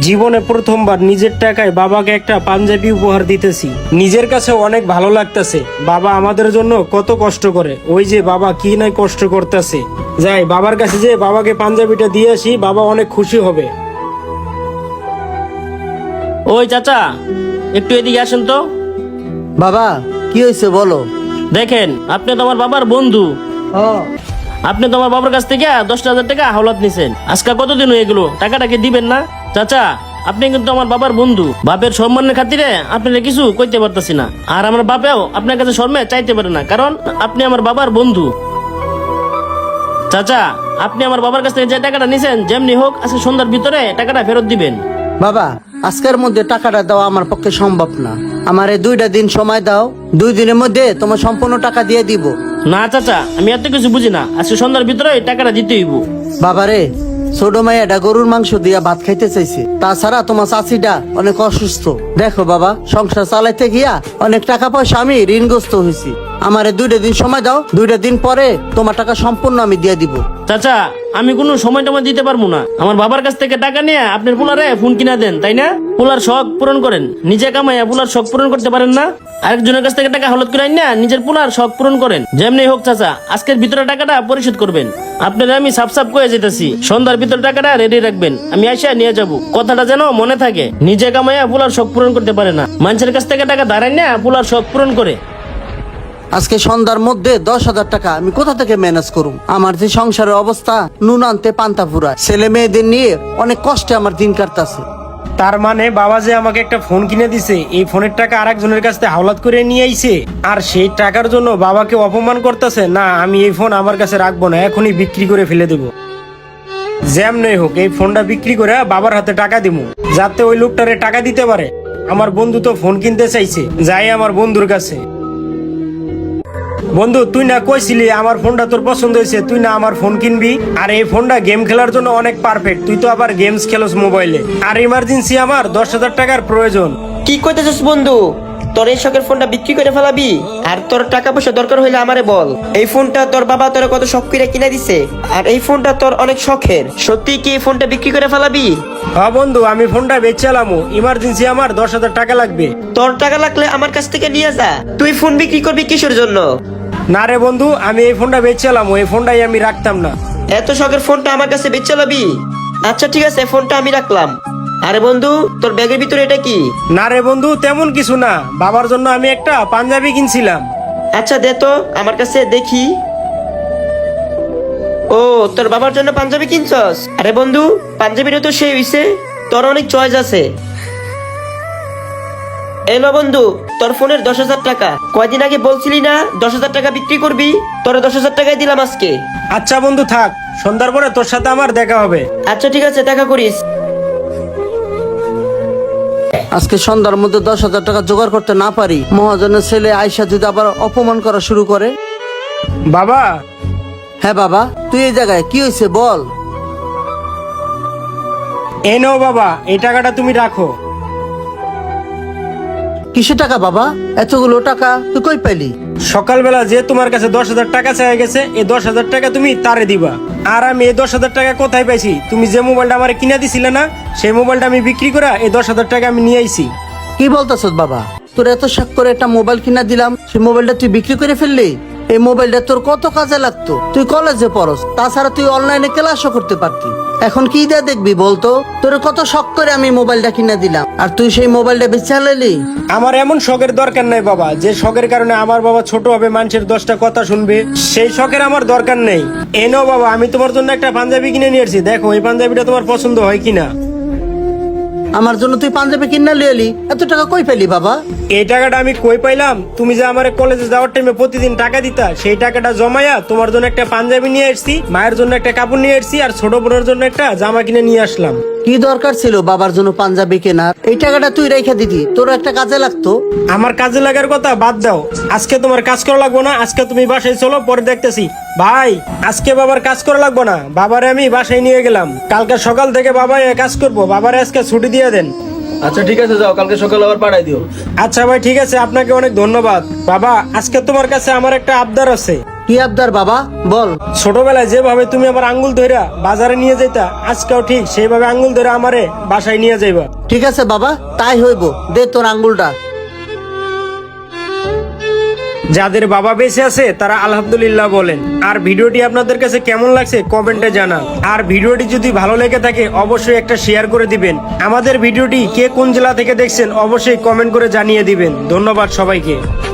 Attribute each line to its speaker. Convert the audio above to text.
Speaker 1: জীবনে প্রথমবার নিজের টাকায় বাবাকে একটা পাঞ্জাবি উপহার দিতেছি। নিজের কাছে অনেক ভালো লাগতেছে। বাবা আমাদের জন্য কত কষ্ট করে, ওই যে বাবা কি নাই কষ্ট করতেছে। যাই বাবার কাছে যে বাবাকে পাঞ্জাবিটা দিয়ে আসি, বাবা অনেক খুশি হবে।
Speaker 2: ওই চাচা, একটু এদিকে আসেন তো।
Speaker 3: বাবা কি হয়েছে বলো।
Speaker 2: দেখেন, আপনি তো আমার বাবার বন্ধু। আপনি তো আমার বাবার কাছ থেকে 10,000 টাকা হাওলাত নিছেন। আজকে কতদিন হয়ে গেল, টাকাটা কি দিবেন না? চাচা, আপনি কিন্তু আমার বাবার বন্ধু। বাপের সম্মানের খাতিরে আপনারা কিছু কইতে পারতেছি না, আর আমার বাপেও আপনার কাছে শর্মে চাইতে পারে না, কারণ আপনি আমার বাবার বন্ধু। চাচা, আপনি আমার বাবার কাছ থেকে যে টাকাটা নিছেন, যেমনি হোক আজকে সন্ধ্যার ভিতরে টাকাটা ফেরত দিবেন।
Speaker 3: বাবা আজকের মধ্যে টাকাটা দেওয়া আমার পক্ষে সম্ভব না। আমার এই 2টা দিন সময় দাও, 2 দিনের মধ্যে তোমার সম্পূর্ণ টাকা দিয়ে দিব।
Speaker 2: না চাচা, আমি এত কিছু বুঝি না। আজকে সন্ধ্যার ভিতরে টাকাটা দিতে হইব।
Speaker 3: বাবারে, ছোট মাইয়াটা গরুর মাংস দিয়া ভাত খাইতে চাইছে। তাছাড়া তোমার চাচিটা অনেক অসুস্থ। দেখো বাবা, সংসার চালাইতে গিয়া অনেক টাকা পয়সা আমি ঋণগ্রস্ত হয়েছি। আমার 2টা দিন সময় দাও, 2টা দিন পরে তোমার টাকা সম্পূর্ণ আমি দিয়ে দিব।
Speaker 2: চাচা, আমি কোনো সময় টময় দিতে পারবো না। আমার বাবার কাছ থেকে টাকা নিয়ে আপনার পোলারে ফোন কিনা দেন, তাই না? পোলার শখ পূরণ করেন, নিজে কামাইয়া পোলার শখ পূরণ করতে পারেন না? আরেকজনের কাছ থেকে টাকা হলত করে না, নিজের পোলার শখ পূরণ করেন। যেমনি হোক চাচা, আজকের ভিতরে টাকাটা পরিশোধ করবেন। আপনারা আমি সাপ সাপ কয়ে যেতেছি, সন্ধ্যার ভিতরে টাকাটা রেডি রাখবেন, আমি আইসা নিয়ে যাব। কথাটা যেন মনে থাকে, নিজে কামাইয়া পোলার শখ পূরণ করতে পারে না, মানুষের কাছ থেকে টাকা ধারাই না পোলার শখ পূরণ করে।
Speaker 3: আজকে সন্ধ্যার মধ্যে 10,000 টাকা আমি কোথা থেকে ম্যানেজ করুম? আমার যে সংসারের অবস্থা, নুন আনতে পান্তা ফুরা, ছেলে মেয়েদের নিয়ে অনেক কষ্টে আমার দিন কাটতাছে।
Speaker 1: তার মানে বাবা যে আমাকে একটা ফোন কিনে দিছে, এই ফোনের টাকা আরেকজনের কাছ থেকে হাওলাত করে নিয়ে আইছে, আর সেই টাকার জন্য বাবাকে অপমান করতেছে। না, আমি এই ফোন আমার কাছে রাখবো না, এখনই বিক্রি করে ফেলে দেবো। যেমনই হোক এই ফোনটা বিক্রি করে বাবার হাতে টাকা দিব, যাতে ওই লোকটারে টাকা দিতে পারে। আমার বন্ধু তো ফোন কিনতে চাইছে, যাই আমার বন্ধুর কাছে। বন্ধু, তুই না কইছিলি আমার ফোনটা তোর পছন্দ হয়েছে, তুই না আমার ফোন কিনবি? আর এই ফোনটা গেম খেলার জন্য অনেক পারফেক্ট। তুই তো আবার গেমস খেলোস মোবাইলে, আর ইমার্জেন্সি আমার 10,000 টাকার প্রয়োজন।
Speaker 4: কি কইতেছিস বন্ধু? তোর এই শখের ফোনটা বিক্রি করে ফেলাবি? আর তোর টাকা পয়সা দরকার হইলে আমারে বল। এই ফোনটা তোর বাবা তোর কত শখ করে কিনে দিছে, আর এই ফোনটা তোর অনেক শখের। সত্যি কি এই ফোনটা বিক্রি করে ফেলাবি?
Speaker 1: হ্যাঁ বন্ধু, আমি ফোনটা বেচালামো, ইমার্জেন্সি আমার 10,000 টাকা লাগবে।
Speaker 4: তোর টাকা লাগলে আমার কাছ থেকে নিয়ে যা। তুই ফোন বিক্রি করবি কিসের জন্য?
Speaker 1: না রে বন্ধু, আমি এই ফোনটা বেচালামো, এই ফোনটাই আমি রাখতাম না।
Speaker 4: এত শখের ফোনটা আমার কাছে বেচে লাবি? আচ্ছা ঠিক আছে, ফোনটা আমি রাখলাম। আরে বন্ধু, তোর ব্যাগের ভিতরে এটা কি?
Speaker 1: না রে বন্ধু, তেমন কিছু না, বাবার জন্য আমি একটা পাঞ্জাবি কিনছিলাম।
Speaker 4: আচ্ছা দে তো আমার কাছে দেখি। ও, তোর বাবার জন্য পাঞ্জাবি কিনছস? আরে বন্ধু, পাঞ্জাবিটা তো সেই হইছে, তোর অনেক চয়েস আছে। এলো বন্ধু, তোর ফোনের 10,000 টাকা। কয়দিন আগে বলছিলি না 10,000 টাকা বিক্রি করবি? তোর 10,000 টাকাই দিলাম আজকে।
Speaker 1: আচ্ছা বন্ধু থাক, সন্ধ্যার পরে তোর সাথে আমার দেখা হবে।
Speaker 4: আচ্ছা ঠিক আছে, দেখা করিস।
Speaker 3: আজকে সন্ধ্যার মধ্যে 10,000 টাকা জোগাড় করতে না পারি, মহাজনের ছেলে আয়সা যদি আবার অপমান করা শুরু করে।
Speaker 1: বাবা।
Speaker 3: হ্যাঁ বাবা, তুই এই জায়গায় কি হয়েছে বল।
Speaker 1: এই নাও বাবা, এই টাকাটা তুমি রাখো।
Speaker 3: কিসের টাকা বাবা? এতগুলো টাকা তুই কই পেলি?
Speaker 1: সকালবেলা যে তোমার কাছে 10,000 টাকা চাই গেছে, এই 10,000 টাকা তুমি তারে দিবা। আর আমি এই 10,000 টাকা কোথায় পাইছি? তুমি যে মোবাইলটা আমার কিনা দিছিলে না, সেই মোবাইলটা আমি বিক্রি করে এই 10,000 টাকা আমি নিয়ে আইছি।
Speaker 3: কি বলতেছ বাবা? তোর এত শখ করে একটা মোবাইল কিনা দিলাম, সেই মোবাইলটা তুই বিক্রি করে ফেললি? এই মোবাইলটা তোর কত কাজে লাগতো, তুই কলেজে পড়স, তাছাড়া তুই অনলাইনে ক্লাসও করতে পারতি। এখন কি দিয়ে দেখবি বলতো? তোর কত শখ করে আমি মোবাইলটা কিনা দিলাম, আর তুই সেই মোবাইলটা বেচে আনলি?
Speaker 1: আমার এমন শখের দরকার নাই বাবা, যে শখের কারণে আমার বাবা ছোট হবে, মানুষের 10টা কথা শুনবে, সেই শখের আমার দরকার নেই। এই নাও বাবা, আমি তোমার জন্য একটা পাঞ্জাবি কিনে নিয়ে আসছি, দেখো এই পাঞ্জাবিটা তোমার পছন্দ হয় কিনা।
Speaker 3: আমার জন্য তুই পাঞ্জাবি কিনা লিয়ে এলি, এত টাকা কই পেলি বাবা?
Speaker 1: এই টাকাটা আমি কই পাইলাম? তুমি যে আমার কলেজে যাওয়ার টাইমে প্রতিদিন টাকা দিতা, সেই টাকাটা জমায়া তোমার জন্য একটা পাঞ্জাবি নিয়ে আসছি, মায়ের জন্য একটা কাপড় নিয়ে আসছি, আর ছোট বোনের জন্য একটা জামা কিনে নিয়ে আসলাম।
Speaker 3: কি দরকার ছিল বাবার জন্য পাঞ্জাবি কেনার? এই টাকাটা তুই রেখে দিতি, তোর একটা কাজে লাগতো।
Speaker 1: আমার কাজে লাগার কথা বাদ দাও, আজকে তোমার কাজ করা লাগবো না, আজকে তুমি বাসায় চলো, পরে দেখতেছি। ভাই, আজকে বাবার কাজ করা লাগবো না, বাবারে আমি বাসায় নিয়ে গেলাম, কালকে সকাল থেকে বাবা কাজ করবো, বাবারে আজকে ছুটি দিয়ে দেন।
Speaker 5: আচ্ছা ঠিক আছে, যাও, কালকে সকালে আবার পাঠাই দিও।
Speaker 1: আচ্ছা ভাই, ঠিক আছে, আপনাকে অনেক ধন্যবাদ। বাবা, আজকে তোমার কাছে আমার একটা আবদার আছে।
Speaker 3: কি আবদার বাবা বল।
Speaker 1: ছোটবেলায় যেভাবে তুমি আমার আঙ্গুল ধইরা বাজারে নিয়ে যেতা, আজকেও ঠিক সেইভাবে আঙ্গুল ধরে আমারে বাসায় নিয়ে যাইবা।
Speaker 3: ঠিক আছে বাবা, তাই হইব, দে তোর আঙ্গুলটা।
Speaker 1: যাদের বাবা বেঁচে আছে তারা আলহামদুলিল্লাহ বলেন। আর ভিডিওটি আপনাদের কাছে কেমন লাগছে কমেন্টে জানান। আর ভিডিওটি যদি ভালো লেগে থাকে অবশ্যই একটা শেয়ার করে দিবেন। আমাদের ভিডিওটি কে কোন জেলা থেকে দেখছেন অবশ্যই কমেন্ট করে জানিয়ে দিবেন। ধন্যবাদ সবাইকে।